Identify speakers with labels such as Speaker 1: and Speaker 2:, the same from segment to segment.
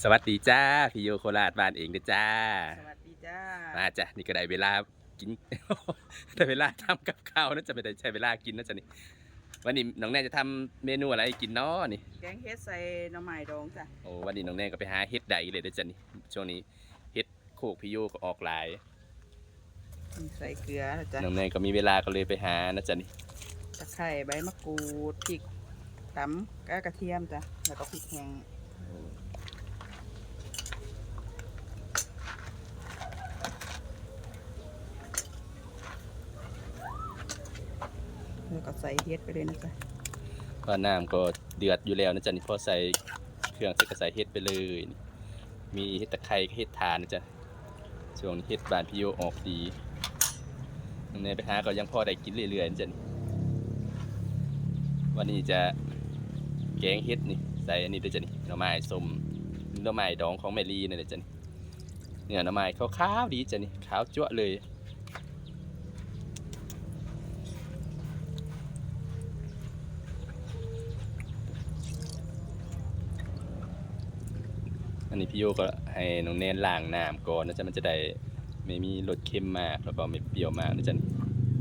Speaker 1: สวัสดีจ้าพี่โยโคราชบ้านเองเด้อจ้า
Speaker 2: สวัสดีจ้า
Speaker 1: มาจ้ะนี่ก็ได้เวลากิน ได้เวลาทำกับข้าวนะจะไม่ได้ใช้เวลากินนะจ๊ะนี่วันนี้น้องแน่จะทำเมนูอะไรให้กินเนาะนี่
Speaker 2: แกงเฮ็ดใส่หน่อไม้ดองจ้ะ
Speaker 1: โอ้วันนี้น้องแน่ก็ไปหาเฮ็ดใดเลยเด้อจ้ะนี่ช่วงนี้เฮ็ดโคกพี่โยก็ออกหลาย
Speaker 2: ใส่เกลือนะจ้ะ
Speaker 1: น้องแน่ก็มีเวลาก็เลยไปหานะจ๊ะนี่
Speaker 2: ตะไคร้ใบมะกรูดพริกตำกระเทียมจ้ะแล้วก็พริกแห้งแล้วก็ใส่เฮ็ดไปเลยนะจ๊ะ
Speaker 1: ก็น้ำก็เดือดอยู่แล้วนะจ๊ะนี่พอใส่เครื่องใส่ก็ใส่เฮ็ดไปเลยนี่มีเฮ็ดตะไคร้ก็เฮ็ดทานนะจ๊ะช่วงนี้เฮ็ดบ้านพี่โยออกดีน้องแน่ไปหาก็ยังพอได้กินเรื่อยๆนะจ๊ะนี่ วันนี้จะแกงเฮ็ดนี่ใส่อันนี้ด้วยจ้ะนี่หน่อไม้ส้มหน่อไม้ดองของแมรี่นี่แหละจ้ะนี่เนื้อหน่อไม้ขาวๆดีจ้ะนี่ขาวจั๊วะเลยอันนี้พี่โยก็ให้น้องเนนล้างน้ำก่อนนะจ๊ะมันจะได้ไม่มีรสเค็มมากแล้วก็ไม่เปรี้ยวมากนะจ๊ะนี่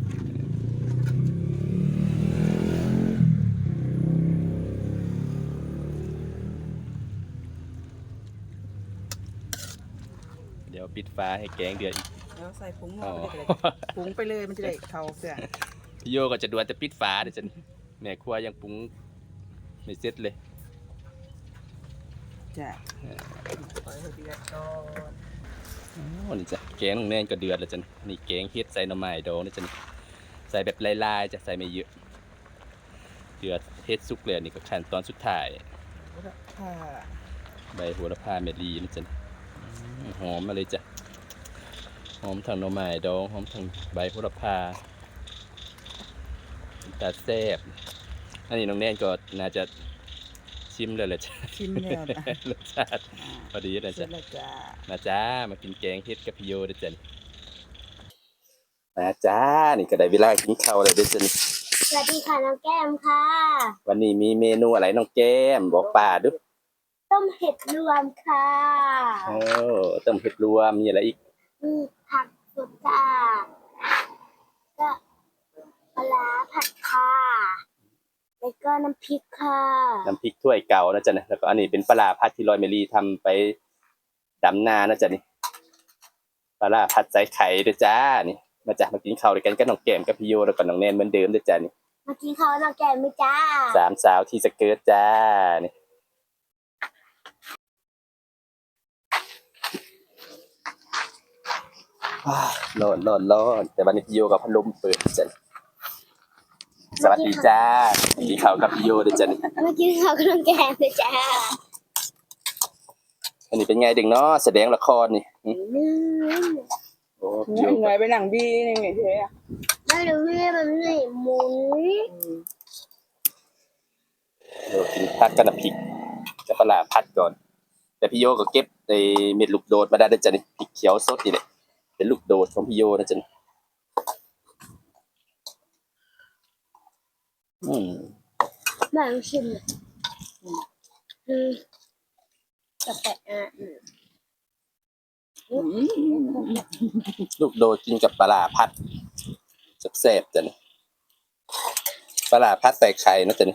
Speaker 1: เดี๋ยวปิดฟ้าให้แกงเดือดอีก
Speaker 2: แล้วใส่ผงนัวไปเลยผงไปเลยมันจะได้เข้าเครื่อง
Speaker 1: พี่โยก็จะดวนแต่ปิดฟ้าเดี๋ยวจ้ะนี่แม่ครัวยังปรุงไม่เสร็จเลย
Speaker 2: จ้ะปล่อยให้เดือดก่อน
Speaker 1: โอ้นี่จ้ะแกงน้องแนนก็เดือดแล้วจ้ะนี่แกงเฮ็ดใส่หน่อไม้ดองนะจ้ะนี่ใส่แบบลายๆจะใส่ไม่เยอะเดือดเฮ็ดสุกเลยนี่ก็ขั้นตอนสุดท้าย
Speaker 2: ค่ะ
Speaker 1: ใบโหระพาเมลีนะจ้ะหอมมาเลยจ้ะหอมทั้งหน่อไม้ดองหอมทั้งใบโหระพาตาแซ่บอันนี้น้องแนนก็น่าจะชิมเลยแหละจ้ะ
Speaker 2: ชิมแล้วจ้ะ
Speaker 1: รสชาติพอดีนะ
Speaker 2: เสร็
Speaker 1: จ๊ะ
Speaker 2: จแล้วจ้า
Speaker 1: มาจ้ามากินแกงเฮ็ดกับพี่โยด้วยจ้ะมาจ้านี่ก็ได้เวลากินข้าวแล้วด้วยจ้ะนี่
Speaker 3: สวัสดีค่ะน้องแก้มค่ะ
Speaker 1: วันนี้มีเมนูอะไรน้องแก้มบอกป้าดู
Speaker 3: ต้มเห็ดรวมค่ะ
Speaker 1: โอ้ต้มเห็ดรวมมีอะไรอีก
Speaker 3: มีผักสดจ้าก็ปลาร้าผัดค่ะแล้วก็น้ำพริกค่ะ
Speaker 1: น้ำพริกถ้วยเก่านะจ๊ะนะแล้วก็อันนี้เป็นปลาร้าผัดที่ลอยเมลีทำไปดำนานะจ๊ะนี่ปลาร้าผัดใส่ไข่ด้วยจ้านี่มาจ้ะมากินข้าวด้วยกันกับน้องแก้มกับพี่โยแล้วก็น้องแนนเหมือนเดิมด้วยจ้ะนี่
Speaker 3: มากินข้าวน้องแก้มไหมจ้า
Speaker 1: สามสาวที่สเกิร์ตจ้านี่ร้อนแต่วันนี้พี่โยกับพัดลมเปิดจ้ะสวัสดีจ้ากินข้าวกับพี่โยด้วยจ้ะนี่
Speaker 3: มากินข้าวกับน้องแก้มเลยจ้า
Speaker 1: อันนี้เป็นไงเด็กเนาะแสดงละครนี่โอ้พี่โย
Speaker 2: หน่วยไปหนังบีนี่ไงเจ๊อะ
Speaker 3: ไม่รู้เรื่องมันไม่หมุน
Speaker 1: กินผัดกับน้ำพริกกับปลาร้าผัดก่อนแต่พี่โยก็เก็บในเม็ดลูกโดดมาได้ด้วยจ้ะนี่พริกเขียวสดนี่แหละเป็นลูกโดดของพี่โยนะจ๊ะนี่
Speaker 3: มาลองชิมเลยแต่
Speaker 1: ลูกโดดกินกับปลาร้าผัดแซ่บๆจ้ะนี่ปลาร้าผัดใส่ไข่นะจ๊ะนี่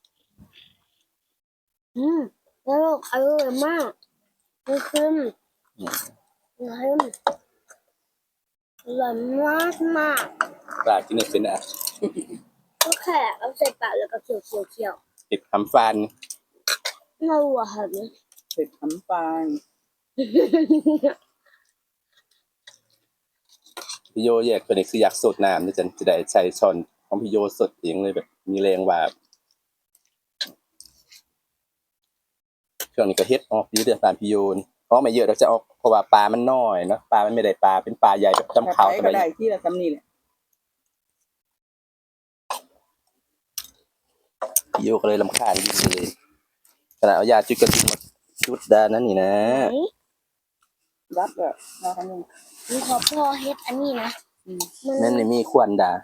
Speaker 3: แล้วอร่อยมากมันคืออร่อยมากมาก
Speaker 1: ปลากินเนี่ยเป็นอ่ะ
Speaker 3: ก็แค่เอาใส่ปากแล้วก็เคี่ยว
Speaker 1: ติดทำฟัน
Speaker 3: เราอะค่ะเนี่ย
Speaker 2: เผ็ดน้ำปลา
Speaker 1: พี่โยแยกเป็นคืออยากสดน้ำนะจ๊ะจะได้ใช้ช้อนของพี่โยสดเองเลยแบบมีแรงว่าช่วงนี้ก็เฮ็ดออกดีเดือดตามพี่โยนี่เพราะไม่เยอะเราจะออกเพราะว่าปลามันน้อยเนาะปลามันไม่ได้ปลาเป็นปลาใหญ่แบบจำเขา
Speaker 2: ก็ได้ที่ละตำนี่แหละ
Speaker 1: พี่โยก็เลยรำคาญยิ่งเลยขนาดเอายาจุดกระตุ้นมาจุดดานั่นนี่นะ
Speaker 2: รับแบบมาทำนึง
Speaker 3: มีขอพ่อเฮ็ดอันนี้นะ
Speaker 1: นั่นนี่มีควันดา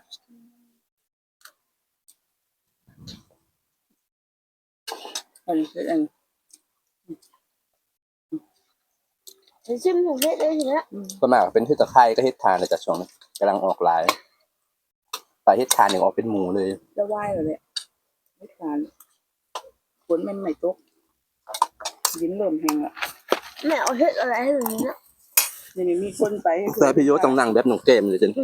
Speaker 2: อันนี้อัน
Speaker 3: ชิมของเฮ็ดได้ทีละ
Speaker 1: ก็มากเป็นเฮ็ดตะไคร้ก็เฮ็ดทานเลยจากช่วงนี้กำลังออกหลายปลาเฮ็ดทานอย่างออกเป็นหมูเลย
Speaker 2: จะไหวเหรอเนี่ยไม่ทานฝนมันไม่ตกดินเริ่มแห้งละ
Speaker 3: แม่เอาเฮ็ดอะไรให้หนูเนี่ย
Speaker 2: ยังไม่มีคนไปให้
Speaker 1: แต่พี่โยต้องนั่งแบบหนุ่มเกมเลยจัน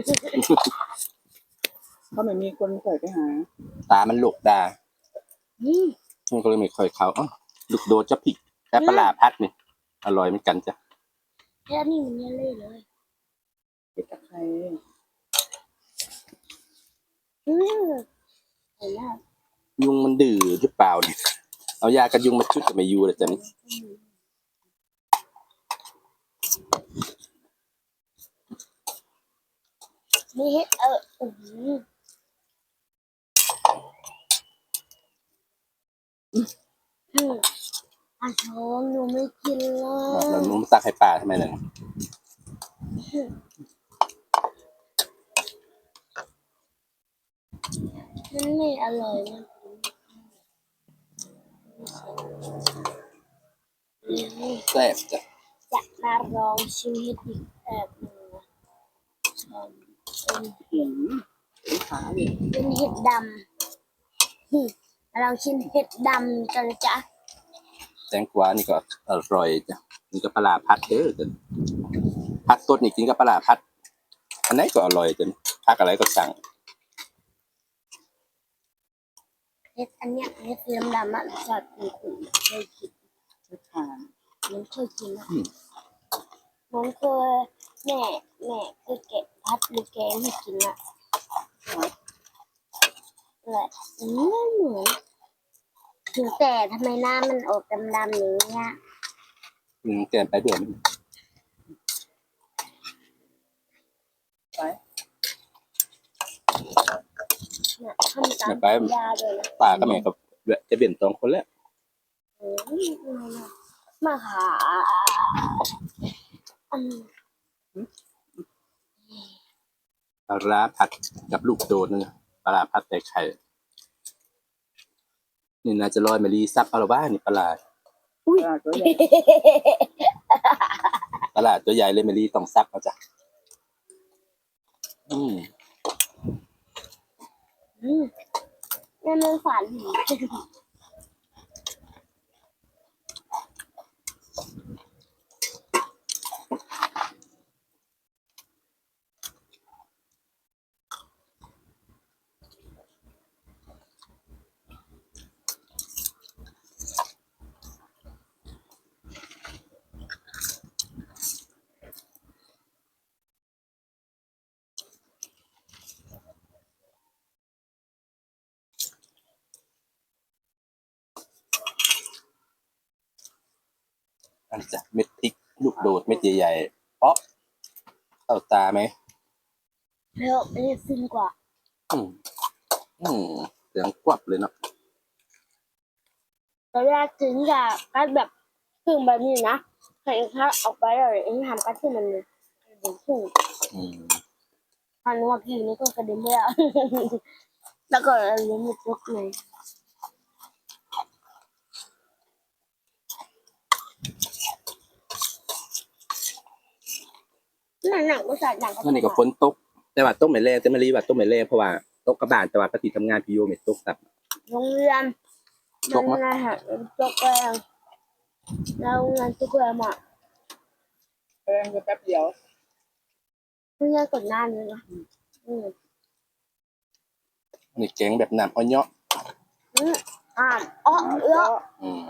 Speaker 2: เขาไม่มีคนใส่ไปหา
Speaker 1: ตามันหลกดา
Speaker 3: อืม
Speaker 1: มันก็เลยไม่ค่อยเข้าอ้าวลูกโดดจะพริกแต่ปลาร้าพัดนี่อร่อยเหมือนกันจ้ะ
Speaker 3: แค่นี้มันยังเล่เลย
Speaker 2: เห็ดตะไคร้
Speaker 3: อืมเห็นแล้ว
Speaker 1: ยุงมันดื้อหรือเปล่าเนี่ยเอายากันยุงมาชุดกับไม่ยูเลยจ้ะนี่
Speaker 3: มีเฮ็ดอืมอาชมหนูไม่กินเล
Speaker 1: เรา
Speaker 3: ย
Speaker 1: นุ่มซักให้ป่าทำไมเนี่ย
Speaker 3: มันไม่อร่อยนะ
Speaker 1: แซ่บจ้ะ
Speaker 3: จะมาลองชิมเห็ดอีกแบบหนึ่งนะเป็น
Speaker 2: เป็นขาเนี่ย
Speaker 3: เป็นเห็ดดำมาลองชิมเห็ดดำกันนะจ๊ะ
Speaker 1: แตงกวานี่ก็อร่อยจ้ะนี่ก็ปลาร้าพัดเด้อจ้ะพัดสดนี่กินกับปลาร้าพัดอันไหนก็อร่อยจ้ะพักอะไรก็สั่ง
Speaker 3: เห็ดอันเนี้ยเห็ดเหลืองดำอ่ะจอดขุ่นๆเคยกิน
Speaker 2: ไม่ทาน
Speaker 3: มันเคยกินนะมันเคยแม่เคยแกะพัดหรือแกงให้กินอ่ะเลยไม่เหมือนถึงแต่ทำไมหน้ามันออกดำๆอย่างเงี้ย
Speaker 1: แกมไปเดือน
Speaker 2: ไป
Speaker 3: เนี่ยทำตามยาเลยนะ
Speaker 1: ป่าก็แม่ก็จะเปลี่ยนสองคนแล้ว
Speaker 3: มาหาอืม
Speaker 1: ปลาร้าผัดกับลูกโดดนึงปลาร้าผัดใส่ไข่นี่น่าจะลอยมารีซับเอาละบ้านี่ปลาร้า
Speaker 2: ปลาตัวใหญ่
Speaker 1: ปลาร้าตัวใหญ่เลยมารีต้องซับเอาจ้ะ
Speaker 3: นั่นมันฝัน
Speaker 1: อันนี้จ้ะเม็ดพริกลูกโดดเม็ดใหญ่ๆเพราะเข้าตาไหม
Speaker 3: แล้วอันนี้ฟินกว่า
Speaker 1: อืมเสียงกวับเลยเนาะ
Speaker 3: ตอนแรกถึงจะกัดแบบครึ่งแบบนี้นะใส่ข้าวออกไปเลยเองทำกัดที่มันเลยถึงครึ่ง พันว่าพี่นี่ก็กระเด็นไปแล้ว แล้วก็เลี้ยงไม่ตกเลยหนังก็ใส่หนังก็
Speaker 1: นั่นนี่ก็ฝนตก แต่ว่าตกไม่แรงแต่มารีว่าตกไม่แรงเพราะว่าตกกระบานแต่ว่าก็ติดทำงานพี่โยไม่ตกตับ
Speaker 3: โรงเรียนมันนะฮะตกแรงแล้วงานตกแรงอ่ะ
Speaker 2: แป้งก็แป๊บเดียว
Speaker 3: เพื่อนกดหน้าเลยนะ
Speaker 1: นี่แกงแบบน้ำอ้อยเนาะ
Speaker 3: อ่านอ๋อเออ
Speaker 1: อืม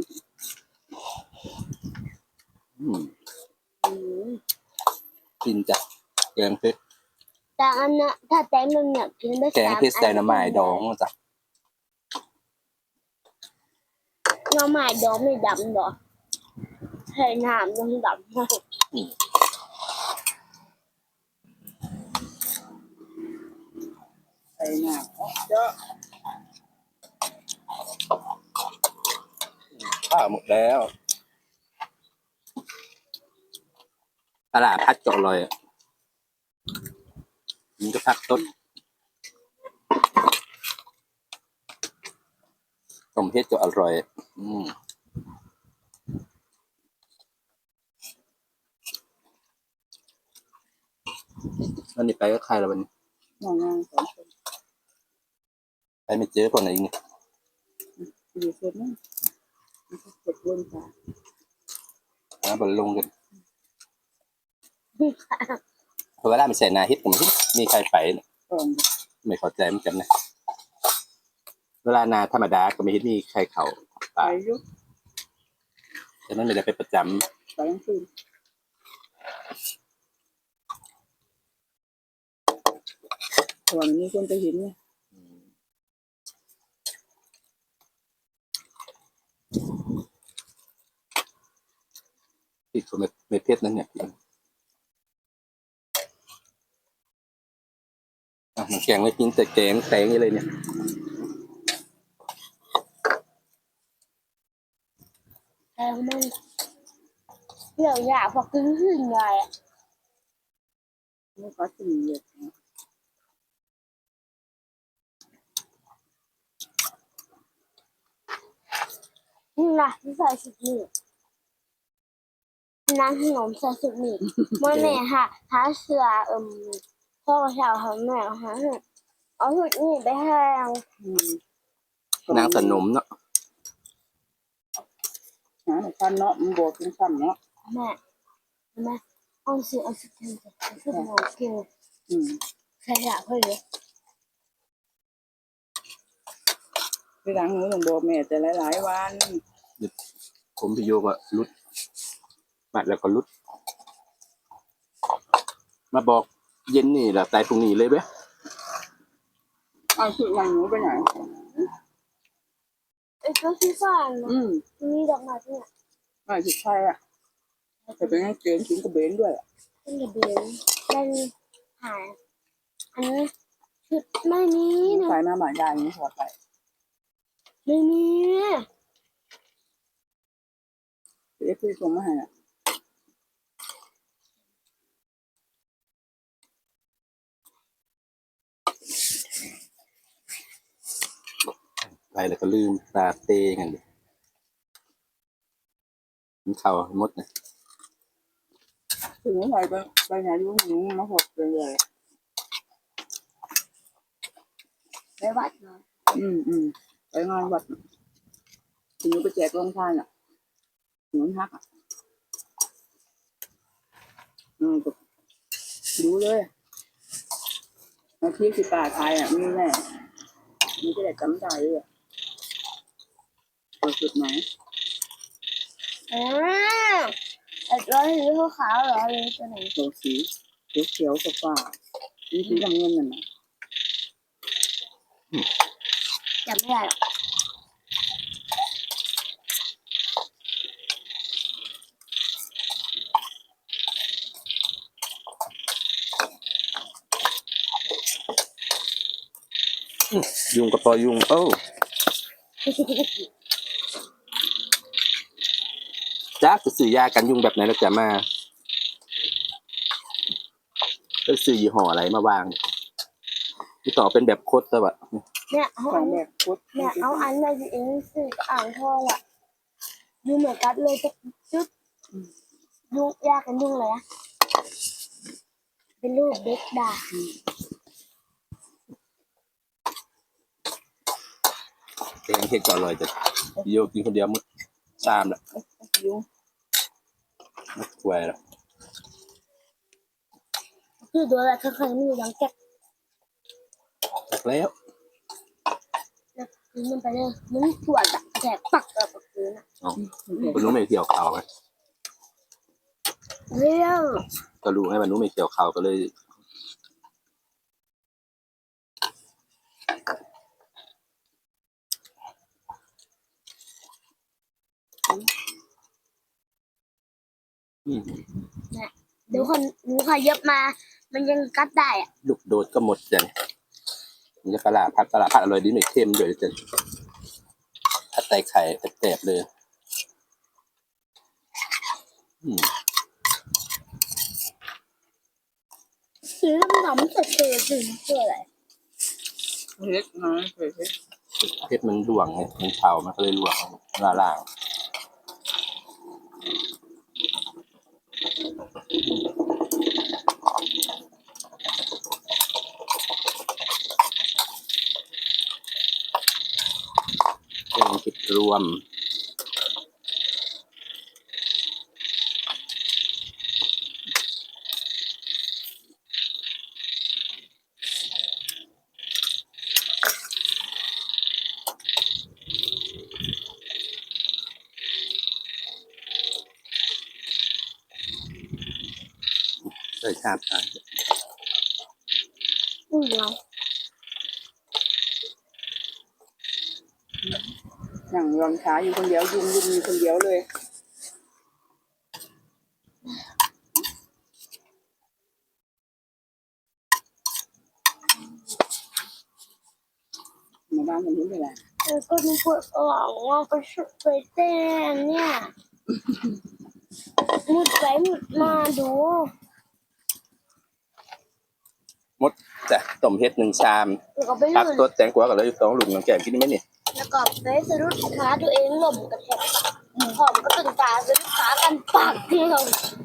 Speaker 1: กินจ้ะแกงเพชร
Speaker 3: แต่อันน่ะถ้าแตงมันเนี่ยกินได้
Speaker 1: แกงเพชรใส่หน่อไม้ดองจ้ะ
Speaker 3: หน่อไม้ดองไม่ดำหรอใส่น้ำยังดำ
Speaker 2: ใส่หน้าเยอะ
Speaker 1: ข้าวหมดแล้วตลาดพัดก็อร่อยอ่ะมันก็พักต้นต้มเพชรก็อร่อยวันนี้ไปก็ใครละวันนี้
Speaker 2: น้องงานสองคน
Speaker 1: ไปไม่เจอคนไหนอีกเนี่ย
Speaker 2: อยู่เสร็จนั่นเสร็จเรื่องจ้า
Speaker 1: หาบอลลงกันเพราะเวลามันใส่นาฮิตผมมีใครไปเนี่ย
Speaker 2: ก่อน
Speaker 1: ไม่เข้าใจเหมือนกันนะเวลานาธรรมดาก็ไม่เห็นมีใครเขา
Speaker 2: ไป
Speaker 1: ป่า
Speaker 2: อยุก
Speaker 1: แต่นั้นไม่ได้ไปประจ
Speaker 2: ไปทั้งคืนก่อนมีคนไปเห็นเนี่ย
Speaker 1: ำที่คนไม่เพชรนั่นเนี่ยมันแกงไม่กินแต่แกงแตงนี่เลยเนี่ย
Speaker 3: แต่มันเดี๋ยวอยากพอกินขึ้นไงอ่ะ
Speaker 2: ไม่ขอสี่เลย
Speaker 3: นี่นะที่ใส่ชุดนี้น้ำขนมใส่ชุดนี้เมื่อแม่ค่ะหาเสือพ่อเช้าหาแม่หาเอาชุดนี้ไปให้
Speaker 1: นางสนมเนาะ
Speaker 2: หาฟันเนาะมันบวกเป็นฟันเนาะ
Speaker 3: แม่เอาเสือเอาชุดนี้เอาชุดหมอเกี่ยว ใส่ละเพื่อนเลย
Speaker 2: ที่หลังหนูต้องบอกแม่แต่หลายๆวัน
Speaker 1: ผมพี่โยก็รุดมาแล้วก็รุดมาบอกเย็นนี่แหละตายตรงนี้เลยเว้ย
Speaker 2: เอาชุดหลังหนูไปไหน
Speaker 3: ไอ้ก็ที่บ้านนะมีดอกไม้เนี่ย
Speaker 2: ไม่ชุดไทยอ่ะแต่เป็นกางเกงกินกระเบนด้วยอ่ะ
Speaker 3: เป็นระเบียงมันหายอันนี้ชุดไม่มีนะ
Speaker 2: ใส่มาหมายยายนี่ถอดไป
Speaker 3: ไม่มี
Speaker 2: เอฟซีส่งมาให้อ่ะ
Speaker 1: ไปแล้วก็ลืมตาเตกันเลยมันเข่าหมดนะ
Speaker 2: ถึงไปไปไหนรู้หนูมาหดเลย
Speaker 3: ไปวัดเนาะ
Speaker 2: ไปงานวัดถึงหนูไปแจกโรงทานอ่ะหนูฮักอ่ะก็รู้เลยอาชีพที่ป่าไทยอ่ะมีแน่มีจะได้จำได้เลยเปิดจุดไหน
Speaker 3: ไอ้ร้อยหรือขาวๆเหรอหรือตัวไหน
Speaker 2: ตัวสีเขียวๆกับฟ้ามีสีน้ำเงินนั่นน่ะ
Speaker 3: จำไม่ได้หรอก
Speaker 1: ยุงกับพอยุงโอ้จ้าจะซื้อยากันยุงแบบไหนแล้วจะมาก็ซื้อยี่ห้ออะไรมาวางที่ต่อเป็นแบบโคตรแต่ว่า
Speaker 3: เนี่ยเอา
Speaker 2: ข
Speaker 3: อั
Speaker 2: อง
Speaker 3: น
Speaker 2: แบบพุทธ
Speaker 3: เนี่ยเอาอันในที่เองสื่อกับอ่างทองอ่ะดูเหมือนกันเลยจะจุดยุ่งยากกันยุ่งเลยอะเป็นรูปเด็กด่า
Speaker 1: แกงเห็ดก่อนเลยจะโยกินคนเดียวมึงตามละ
Speaker 2: ยุง
Speaker 1: ไม่กลัวละ
Speaker 3: คือตัวอะไรเคยๆมีดังแก๊ก
Speaker 1: แล้ว
Speaker 3: แล้วคือมันไปเลยมันปวดอะแฉกปักกับพื้นอะ
Speaker 1: คุณนู้ไม่เกี่ยวเขาไง
Speaker 3: เรียว
Speaker 1: ก็รู้ไงว่านู้ไม่เกี่ยวเขาก็เลยอืม
Speaker 3: เดี๋ยวคนหนูขยับมา มันยังกัดได้อะ
Speaker 1: ลูกโดดก็หมดจังมันจะปลาผัดอร่อยดีไม่เค็มด้วยจังผัดไตไข่แตบๆเลยอืม
Speaker 3: สีดำๆเฉยๆสีมันคืออะไร
Speaker 2: เฮ็ดนะเฮ็ด
Speaker 1: เพชรมันหลวงไงมันเผามันก็เลยหลวงล่างรวมเลยชาติ
Speaker 3: เนาะ
Speaker 2: นั่งยอมช้าอยู่คนเดียวยุ่งอยู่คนเดียวเลยมาบ้านมันนี้เป็นไร
Speaker 3: ก็นึกว่าว่าไปชุดไปเต้นเนี่ยมุดไปมุดมาดู
Speaker 1: มดจ้ะต้มเฮ็ด1 ชาม
Speaker 3: แล้วก็ไป
Speaker 1: ผัก
Speaker 3: ลื่น
Speaker 1: สดแตงกวาก็เลย2ลูกน้องแก้มกินไหมนี่
Speaker 3: แล้วก็ไปสะดุดขาตัวเองหล่มกระแทกหอมก็ตึงตาสะดุดขากันปากที่เรา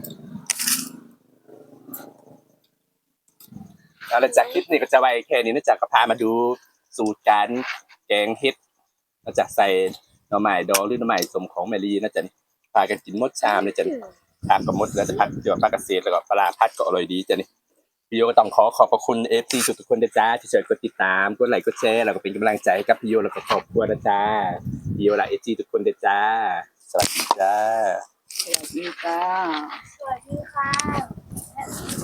Speaker 1: เอาละจากคลิปนี้ก็จะไว้แค่นี้นะจ๊ะก็พามาดูสูตรการแกงเฮ็ดนะจ๊ะใส่หน่อไม้ดองหรือหน่อไม้สมของแมรี่นะจ๊ะพากันกินหมดชามเลยจ้ะผักก็หมดแล้วจะผักเดี๋ยวผักเกษตรแล้วก็ปลาพัดก็อร่อยดีจ้ะนี่พี่โยก็ต้องขอบพระคุณ FC ทุกคนนะจ๊ะที่ช่วยกดติดตามกดไลค์กดแชร์แล้วก็เป็นกำลังใจให้กับพี่โยแล้วก็ครอบครัวนะจ๊ะพี่โยและ FC ทุกคนนะจ๊ะสวัสดีจ้า
Speaker 2: สวัสดีจ้า
Speaker 3: สวัสดีค่ะ